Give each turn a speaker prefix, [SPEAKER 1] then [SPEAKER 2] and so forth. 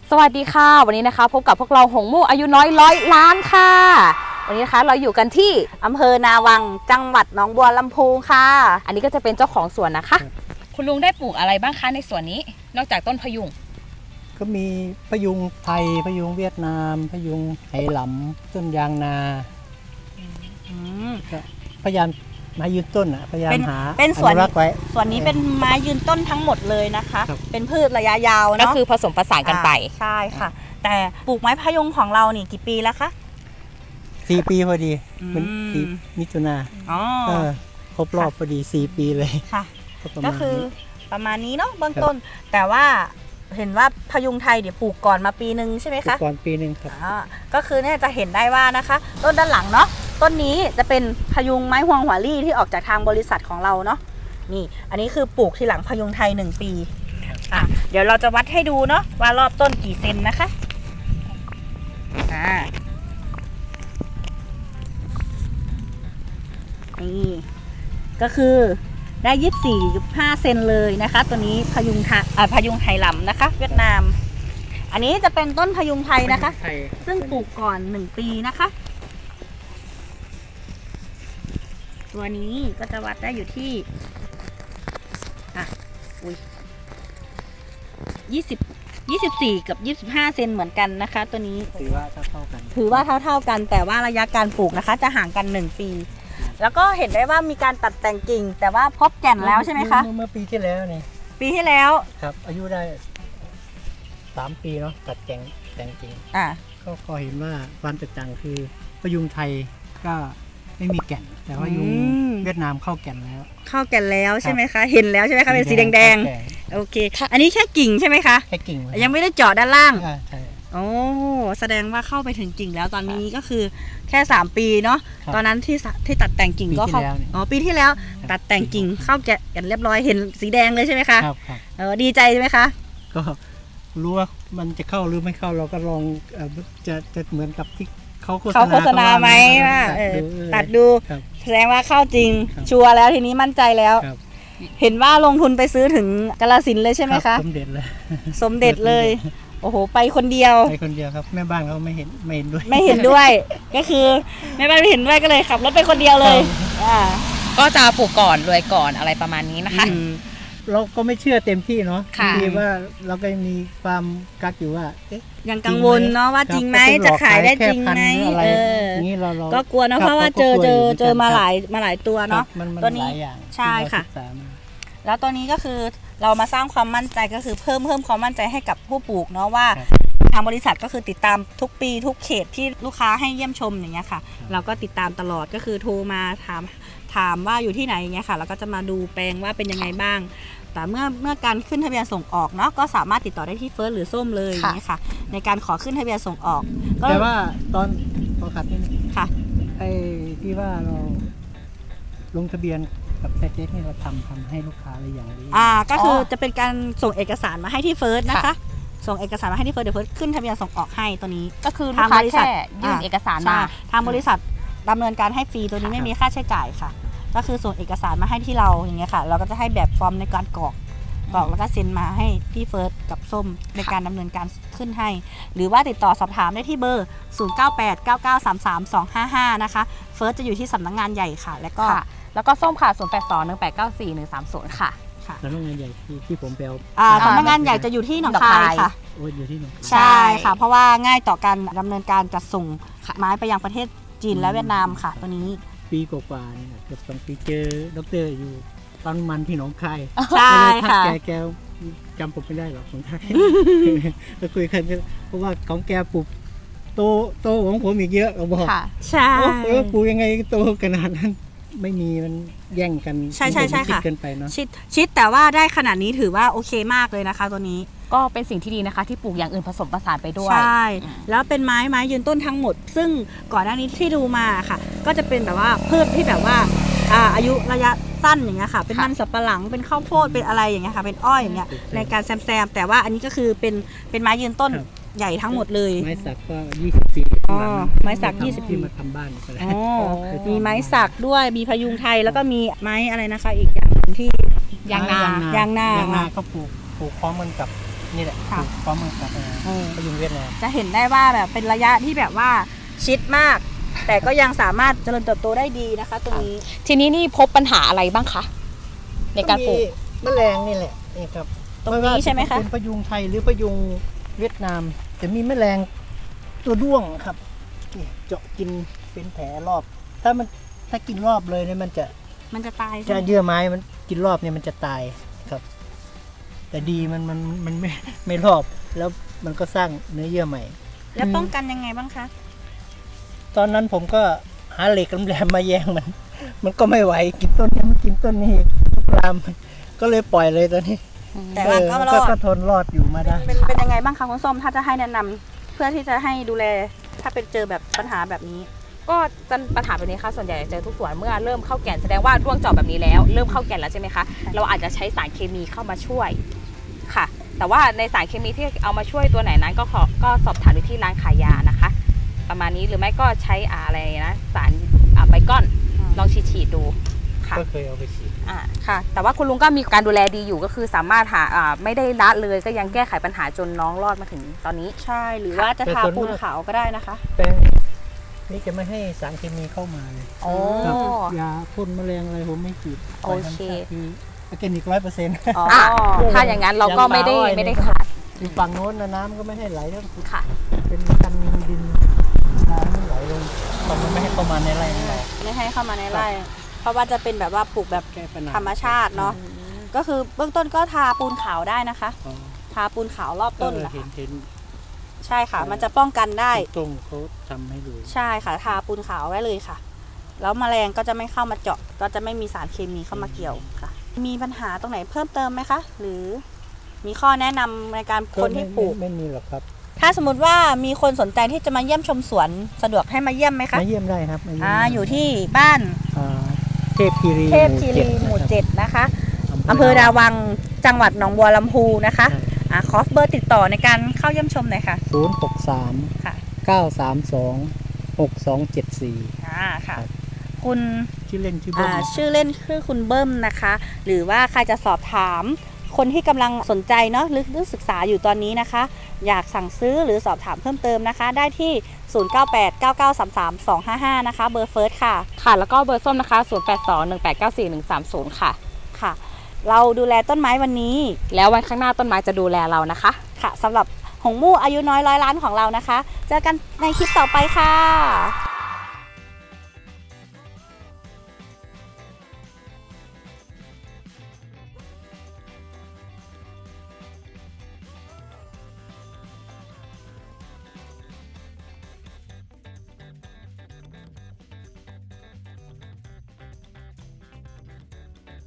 [SPEAKER 1] สวัสดีค่ะวันนี้นะคะพบกับพวกเราหงมู่อายุน้อย100 ล้านค่ะวันนี้นะคะเราอยู่กันที่
[SPEAKER 2] อำเภอนาวังจังหวัดหนองบัวลำพูค่ะ
[SPEAKER 1] อันนี้ก็จะเป็นเจ้าของสวนนะคะคุณลุงได้ปลูกอะไรบ้างคะในสวนนี้นอกจากต้นพยุง
[SPEAKER 3] ก็มีพยุงไทยพยุงเวียดนามพยุงไหหลำต้นยางนาก็พยายามมายืนต้นอ่ะพยายามหา
[SPEAKER 2] เป็นสวน
[SPEAKER 3] รักไว้
[SPEAKER 2] ส่วนนี้เป็นไม้ยืนต้นทั้งหมดเลยนะคะเป็นพืชระยะยาวเนาะ
[SPEAKER 1] ก็คือผสมผสานกันไป
[SPEAKER 2] ใช่ค่ะแต่ปลูกไม้พยุงของเรานี่กี่ปีแล้วคะ
[SPEAKER 3] 4 ปีพอดีเป็นปีมิถุนาครบรอบพอดี4 ปีเลย
[SPEAKER 2] ค่ะก็คือประมาณนี้เนาะเบื้องต้นแต่ว่าเห็นว่าพยุงไทยเดี๋ยวปลูกก่อนมาปีนึงใช่ไหมคะ
[SPEAKER 3] ก่อนปีนึงครับ
[SPEAKER 2] ก็คือเนี่ยจะเห็นได้ว่านะคะต้นด้านหลังเนาะต้นนี้จะเป็นพยุงไม้ฮวงหัวลี่ที่ออกจากทางบริษัทของเราเนาะนี่อันนี้คือปลูกที่หลังพยุงไทย1 ปีเดี๋ยวเราจะวัดให้ดูเนาะว่ารอบต้นกี่เซนนะคะนี่ก็คือได้24.5 เซนเลยนะคะตัวนี้พยุงไทยลำนะคะเวียดนามอันนี้จะเป็นต้นพยุงไทยนะคะซึ่งปลูกก่อน1 ปีนะคะตัวนี้ก็จะวัดได้อยู่ที่24 กับ 25 เซนเหมือนกันนะคะตัวนี้
[SPEAKER 3] ถือว่าเท่ากัน
[SPEAKER 2] แต่ว่าระยะการปลูกนะคะจะห่างกัน1 ปีแล้วก็เห็นได้ว่ามีการตัดแต่งกิ่งแต่ว่าพบแก่นแล้วใช่ไหมคะ
[SPEAKER 3] เมื่อปีที่แล้วนี่
[SPEAKER 2] ปีที่แล้ว
[SPEAKER 3] ครับอายุได้3 ปีเนาะตัดแต่งกิ่งก็เห็นว่าความแตกต่างคือพยุงไทยก็ไม่มีแก่นแต่ว่ายุงเวียดนามเข้าแก่นแล้ว
[SPEAKER 2] ใช่ไหมคะเห็นแล้วใช่ไหมคะเป็นสีแดงโอเคอันนี้แค่กิ่งใช่ไหมคะ
[SPEAKER 3] แค่กิ่ง
[SPEAKER 2] ยังไม่ได้เจาะด้านล่าง
[SPEAKER 3] ใช่
[SPEAKER 2] โอ้แสดงว่าเข้าไปถึงกิ่งแล้วตอนนี้ก็คือแค่3 ปีเนาะตอนนั้นที่ตัดแต่งกิ่งก็เข้าปีที่แล้วตัดแต่งกิ่งเข้าแก่นเรียบร้อยเห็นสีแดงเลยใช่ไหมคะดีใจใช่ไหมคะ
[SPEAKER 3] ก็รู้ว่ามันจะเข้าหรือไม่เข้าเราก็ลองจะเหมือนกับที่เขาโฆษณา
[SPEAKER 2] ไหมว่าตัดดูแสดงว่าเข้าจริงชัวร์แล้วทีนี้มั่นใจแล้วเห็นว่าลงทุนไปซื้อถึงกาฬสินธุ์เลยใช่ไหมคะ
[SPEAKER 3] สมเด็จ
[SPEAKER 2] เลยโอ้โหไปคนเดียว
[SPEAKER 3] ครับแม่บ้านเขาไม่เห็น
[SPEAKER 2] ด้วยก็คือแม่บ้านไม่เห็นด้วยก็เลยขับรถไปคนเดียวเลย
[SPEAKER 1] ก็จะปลูกก่อนรวยก่อนอะไรประมาณนี้นะคะ
[SPEAKER 3] เราก็ไม่เชื่อเต็มที่เนาะที่ว่าเราก็มีความกักอยู่ว่า
[SPEAKER 2] ยังกังวลเนาะว่าจริงไหมจะขายได้จริงไหมก็กลัวเนาะเพราะว่าเจอมาหลายตัวเนาะตัวนี้ใช่ค่ะแล้วตัวนี้ก็คือเรามาสร้างความมั่นใจก็คือเพิ่มความมั่นใจให้กับผู้ปลูกเนาะว่าทางบริษัทก็คือติดตามทุกปีทุกเขตที่ลูกค้าให้เยี่ยมชมอย่างเงี้ยค่ะเราก็ติดตามตลอดก็คือโทรมาถามว่าอยู่ที่ไหนอย่างเงี้ยค่ะเราก็จะมาดูแปลงว่าเป็นยังไงบ้างแต่เมื่อการขึ้นทะเบียนส่งออกเนาะก็สามารถติดต่อได้ที่เฟิร์สหรือส้มเลยอย่างเงี้ยค่ะในการขอขึ้นทะเบียนส่งออก
[SPEAKER 3] แต่ว่าตอนพอขัดนี่
[SPEAKER 2] ค่ะ
[SPEAKER 3] ไอ้ที่ว่าเราลงทะเบียนกับไซเต็กนี่เราทำให้ลูกค้าอะไรอย่างนี้
[SPEAKER 2] ก็คือจะเป็นการส่งเอกสารมาให้ที่เฟิร์สนะคะส่งเอกสารมาให้ที่เฟิร์สเดี๋ยวเฟิร์สขึ้นทะเบียนส่งออกให้ตัวนี้
[SPEAKER 1] ก็คือลูกค้าแค่ยื่นเอกสารมา
[SPEAKER 2] ทางบริษัทดำเนินการให้ฟรีตัวนี้ไม่มีค่าใช้จ่ายค่ะก็คือส่งเอกสารมาให้ที่เราอย่างเงี้ยค่ะเราก็จะให้แบบฟอร์มในการกรอกแล้วก็เซ็นมาให้พี่เฟิร์สกับส้มในการดำเนินการขึ้นให้หรือว่าติดต่อสอบถามได้ที่เบอร์ 0989933255 นะคะเฟิร์สจะอยู่ที่สำนักงานใหญ่ค่ะแล้วก็
[SPEAKER 1] ส้มค่ะ0821894130ค่ะ
[SPEAKER 3] สำนักงานใหญ่ที่ผมไป
[SPEAKER 2] สำนักงานใหญ่จะอยู่ที่หนองคายค่ะ
[SPEAKER 3] อยู่ที่หนองคาย
[SPEAKER 2] ใช่ค่ะเพราะว่าง่ายต่อการดำเนินการจัดส่งไม้ไปยังประเทศจีนและเวียดนามค่ะตัวนี้
[SPEAKER 3] ปีกว่าๆนี่เกือบ2 ปีเจอดร.อยู่ปั๊มมันที่หนองคาย
[SPEAKER 2] ใช่ค่ะ
[SPEAKER 3] แกจำผมไม่ได้หรอกของไทยเราคุยกันเพราะว่าของแกปลูกโตของผมอีกเยอะเราบอก
[SPEAKER 2] ใช่
[SPEAKER 3] ปลูกยังไงโตขนาดนั้นไม่มีมันแย่งกัน
[SPEAKER 2] ใช่
[SPEAKER 3] ค่ะเกินไปเนาะ
[SPEAKER 2] ชิดแต่ว่าได้ขนาดนี้ถือว่าโอเคมากเลยนะคะตัวนี้
[SPEAKER 1] ก็เป็นสิ่งที่ดีนะคะที่ปลูกอย่างอื่นผสมผสานไปด้วย
[SPEAKER 2] ใช่แล้วเป็นไม้ยืนต้นทั้งหมดซึ่งก่อนหน้านี้ที่ดูมาค่ะก็จะเป็นแบบว่าพืชที่แบบว่าอายุระยะสั้นอย่างเงี้ยค่ะเป็นมันสับปะหลังเป็นข้าวโพดเป็นอะไรอย่างเงี้ยค่ะเป็นอ้อยอย่างเงี้ยในการแซมแต่ว่าอันนี้ก็คือเป็นไม้ยืนต้นใหญ่ทั้งหมดเลย
[SPEAKER 3] ไม้สักก็24
[SPEAKER 2] ไม้สัก20
[SPEAKER 3] ที่มาทำบ้าน
[SPEAKER 2] มีไม้สักด้วยมีพยุงไทยแล้วก็มีไม้อะไรนะคะอีกอย่างที่
[SPEAKER 1] ยางนา
[SPEAKER 3] ก็ปลูกพร้อมกันกับนี่แหละ
[SPEAKER 2] ค่ะ
[SPEAKER 3] พร้อมกับพยุงเวียดนาม
[SPEAKER 2] จะเห็นได้ว่าแบบเป็นระยะที่แบบว่าชิดมาก แต่ก็ยังสามารถเจริญเติบโตได้ดีนะคะ ตรงนี้
[SPEAKER 1] ทีนี้นี่พบปัญหาอะไรบ้างคะในการปลูก
[SPEAKER 3] แมลงนี่แหละนี่ครับ
[SPEAKER 2] ตรงนี้ใช่ไหมคะ
[SPEAKER 3] เป็นพยุงไทยหรือพยุงเวียดนามจะมีแมลงตัวด้วงครับนี่เจาะกินเป็นแผลรอบ ถ้ากินรอบเลยเนี่ยมันจะ
[SPEAKER 2] ตาย
[SPEAKER 3] จะเยื่อไม้มันกินรอบเนี่ยมันจะตายครับ แต่ดีมันไม่รอบแล้วมันก็สร้างเนื้อเยื่อใหม่
[SPEAKER 2] แล้วป้องกันยังไงบ้างคะ
[SPEAKER 3] ตอนนั้นผมก็หาเหล็กแหลมๆมาแยงมันก็ไม่ไหวกินต้นนี้มันกินต้นนี้ลามก็เลยปล่อยเลยตอนนี้
[SPEAKER 2] แต่ว่าก็รอด
[SPEAKER 3] ก็ทนรอดอยู่มาได้
[SPEAKER 2] เป็นยังไงบ้างคะคุณส้มถ้าจะให้แนะนำเพื่อที่จะให้ดูแลถ้าเป็นเจอแบบปัญหาแบบนี้
[SPEAKER 1] ก็ปัญหาแบบนี้ค่ะส่วนใหญ่จะเจอทุกสวนเมื่อเริ่มเข้าแก่นแสดงว่าร่วงเจาะแบบนี้แล้วเริ่มเข้าแก่นแล้วใช่ไหมคะเราอาจจะใช้สารเคมีเข้ามาช่วยค่ะ แต่ว่าในสารเคมีที่เอามาช่วยตัวไหนนั้นก็สอบถามดูที่ร้านขายยานะคะ ประมาณนี้หรือไม่ก็ใช้อะไรนะสารไบคอนลองฉีดดูค่ะ
[SPEAKER 3] ก็เคยเอาไปฉีด
[SPEAKER 1] ค่ะ แต่ว่าคุณลุงก็มีการดูแลดีอยู่ก็คือสามารถไม่ได้ละเลยก็ยังแก้ไขปัญหาจนน้องรอดมาถึงตอนนี้
[SPEAKER 2] ใช่หรือว่าจะทาปูนขาวก็ได้นะคะ
[SPEAKER 3] แปลงนี่จะไม่ให้สารเคมีเข้ามาเลย
[SPEAKER 1] โอ้
[SPEAKER 3] ครับยาพ่นแมลงอะไรผมไม่ฉีด
[SPEAKER 1] โอเค
[SPEAKER 3] คือออร์แกนิก100%
[SPEAKER 2] อ๋อ
[SPEAKER 1] ถ้าอย่างนั้นเราก็ไม่ได้ขาด
[SPEAKER 3] อยู่ฝั่งโน้นนะน้ำก็ไม่ให้ไหลทั้ง
[SPEAKER 1] ค่ะ
[SPEAKER 3] เป็นกันดินน้ำไม่ไหลลงตอนมันไม่ให้เข้ามาในไร่ของเรา
[SPEAKER 2] ไม่ให้เข้ามาในไร่เพราะว่าจะเป็นแบบว่าปลูกแบบ
[SPEAKER 3] แก้ปัญหา
[SPEAKER 2] ธรรมชาติเนาะก็คือเบื้องต้นก็ทาปูนขาวได้นะคะ
[SPEAKER 3] อ๋อ
[SPEAKER 2] ทาปูนขาวรอบต้นนะ
[SPEAKER 3] เห็น
[SPEAKER 2] คะ
[SPEAKER 3] เห็น
[SPEAKER 2] ใช่ค่ะ มันจะป้องกันได้
[SPEAKER 3] ตรงเขาทำให้ดู
[SPEAKER 2] ใช่ค่ะทาปูนขาวไว้เลยค่ะ แล้วแมลงก็จะไม่เข้ามาเจาะก็จะไม่มีสารเคมีเข้ามาเกี่ยวค่ะ มีปัญหาตรงไหนเพิ่มเติมไหมคะ หรือมีข้อแนะนำในการคนที่ปลูก
[SPEAKER 3] ไม่มีหรอกครับ
[SPEAKER 2] ถ้าสมมติว่ามีคนสนใจที่จะมาเยี่ยมชมสวนสะดวกให้มาเยี่ยมไหมคะ
[SPEAKER 3] มาเยี่ยมได้ครับมาเยี่ยม
[SPEAKER 2] อยู่ที่บ้าน
[SPEAKER 3] เทพคีรี
[SPEAKER 2] เทพคีรีหมู่
[SPEAKER 3] นะครับ
[SPEAKER 2] 7นะคะอำเภอดาวังจังหวัดหนองบัวลำพูนะคะขอเบอร์ติดต่อในการเข้าเยี่ยมชมหน่อยค่ะ
[SPEAKER 3] 063
[SPEAKER 2] ค่ะ
[SPEAKER 3] 932 6274
[SPEAKER 2] ค่ะ
[SPEAKER 3] ครับ
[SPEAKER 2] คุณ
[SPEAKER 3] ชื่อเล่นชื่อเบิ้ม
[SPEAKER 2] ชื่อเล่นคือคุณเบิ้มนะคะ หรือว่าใครจะสอบถามคนที่กำลังสนใจเนาะหรือศึกษาอยู่ตอนนี้นะคะ อยากสั่งซื้อหรือสอบถามเพิ่มเติมนะคะ ได้ที่ 0989933255 นะคะ เบอร์เฟิร์สค่ะ
[SPEAKER 1] ค่ะ แล้วก็เบอร์ส้มนะคะ 0821894130 ค่ะ
[SPEAKER 2] ค่ะ เราดูแลต้นไม้วันนี้
[SPEAKER 1] แล้ววันข้างหน้าต้นไม้จะดูแลเรานะคะ
[SPEAKER 2] ค่ะสำหรับหงมู่อายุน้อย100 ล้านของเรานะคะ เจอกันในคลิปต่อไปค่ะ